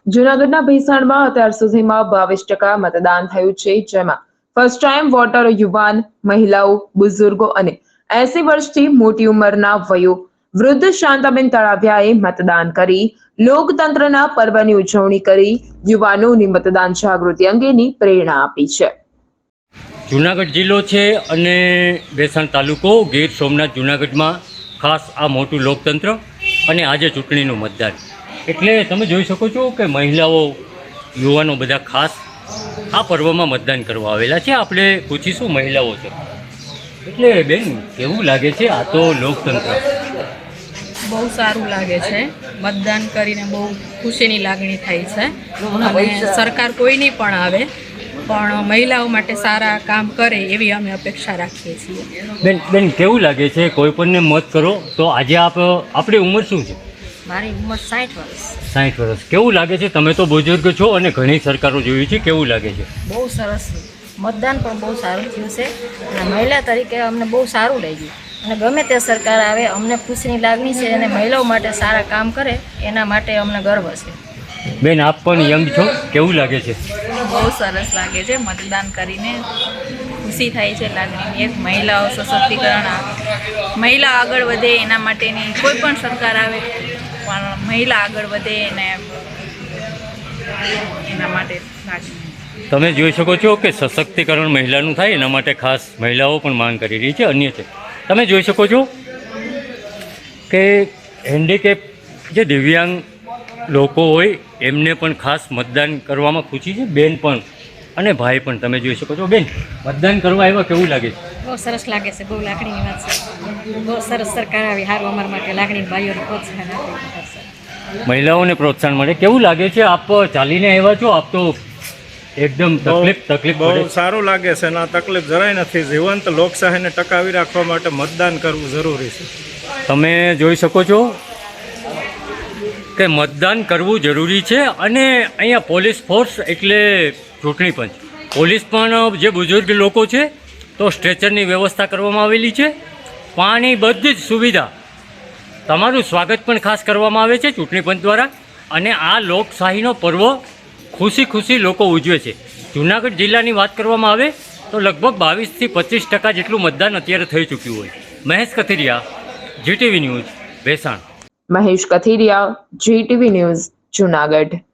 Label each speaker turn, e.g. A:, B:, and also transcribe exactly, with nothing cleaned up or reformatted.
A: જૂનાગઢના ભેસાણમાં અત્યાર સુધીમાં બાવીસ ટકા મતદાન થયું છે, જેમાં ફર્સ્ટ ટાઈમ વોટર યુવાન, મહિલાઓ, બુઝુર્ગો અને એસી વર્ષથી મોટી ઉંમરના વયો વૃદ્ધ શાંતાબેન તળાવિયાએ મતદાન કરી લોકતંત્રના પર્વની ઉજવણી કરી યુવાનોની મતદાન જાગૃતિ અંગેની પ્રેરણા આપી છે.
B: જુનાગઢ જિલ્લો છે અને ભેસાણ તાલુકો, ગીર સોમનાથ, જુનાગઢમાં ખાસ આ મોટું લોકતંત્ર અને આજે ચૂંટણીનું મતદાન. એટલે તમે જોઈ શકો છો કે મહિલાઓ, યુવાનો બધા ખાસ આ પર્વમાં મતદાન કરવા આવેલા છે. આપણે પૂછીશું મહિલાઓ છે. એટલે બેન, કેવું લાગે છે આ તો લોકતંત્ર?
C: બહુ સારું લાગે છે. મતદાન કરીને બહુ ખુશીની લાગણી થાય છે. અને સરકાર કોઈની પણ આવે પણ મહિલાઓ માટે સારા કામ કરે એવી અમે અપેક્ષા રાખીએ છીએ.
B: બેન બેન કેવું લાગે છે? કોઈ પણને મત કરો તો આજે આપ આપણી ઉંમર શું છે?
D: મારી ઉંમર સાઠ વર્ષ.
B: સાઠ વર્ષ. કેવું લાગે છે? તમે તો બુઝુર્ગ છો અને ઘણી સરકારો જોઈ છે. કેવું લાગે છે?
D: બહુ સરસ. મતદાન પણ બહુ સારું થયું છે અને મહિલા તરીકે અમને બહુ સારું લાગ્યું. અને ગમે તે સરકાર આવે અમને ખુશીની લાગણી છે અને મહિલાઓ માટે સારા કામ કરે એના માટે અમને ગર્વ છે.
B: બેન, આપ પણ યંગ છો, કેવું લાગે છે?
C: બહુ સરસ લાગે છે. મતદાન કરીને ખુશી થાય છે લાગણીની. એક મહિલાઓ સશક્તિકરણ, મહિલા આગળ વધે એના માટેની કોઈ પણ સરકાર આવે પણ મહિલા આગળ વધે એને એના માટે લાગણી.
B: તમે જોઈ શકો છો કે સશક્તિકરણ મહિલાનું થાય એના માટે ખાસ મહિલાઓ પણ માંગ કરી રહી છે. અન્ય છે, તમે જોઈ શકો છો કે હેન્ડીકેપ જે દિવ્યાંગ લોકો હોય એમને પણ ખાસ મતદાન કરવામાં ખુશી છે. બેન પણ અને ભાઈ પણ તમે જોઈ શકો છો. બેન, મતદાન કરવા આવ્યા, કેવું લાગે છે?
D: બહુ સરસ લાગે છે. બહુ લાગણીની વાત છે. બહુ સરસ સરકાર આવી સારું અમારા માટે લાગણી ભાઈઓને પ્રોત્સાહન આપે.
B: મહિલાઓને પ્રોત્સાહન મળે. કેવું લાગે છે? આપ ચાલીને આવ્યા છો, આપ તો એકદમ તકલીફ તકલીફ
E: બહુ
B: પડે.
E: સારું લાગે છે અને આ તકલીફ જરાય નથી. જીવંત લોકશાહીને ટકાવી રાખવા માટે મતદાન કરવું જરૂરી છે.
B: તમે જોઈ શકો છો કે મતદાન કરવું જરૂરી છે. અને અહીંયા પોલીસ ફોર્સ એટલે ચૂંટણી પંચ, પોલીસ પણ જે બુઝુર્ગ લોકો છે તો સ્ટ્રેચરની વ્યવસ્થા કરવામાં આવેલી છે. પાણી, બધી જ સુવિધા, તમારું સ્વાગત પણ ખાસ કરવામાં આવે છે ચૂંટણી પંચ દ્વારા. અને આ લોકશાહીનો પર્વ ખુશી ખુશી લોકો ઉજવે છે. જૂનાગઢ જિલ્લાની વાત કરવામાં આવે તો લગભગ બાવીસથી પચીસ ટકા જેટલું મતદાન અત્યારે થઈ ચૂક્યું હોય. Mahesh Kathiriya, GTV news, Bhesan.
A: Mahesh Kathiriya, GTV news, Junagadh.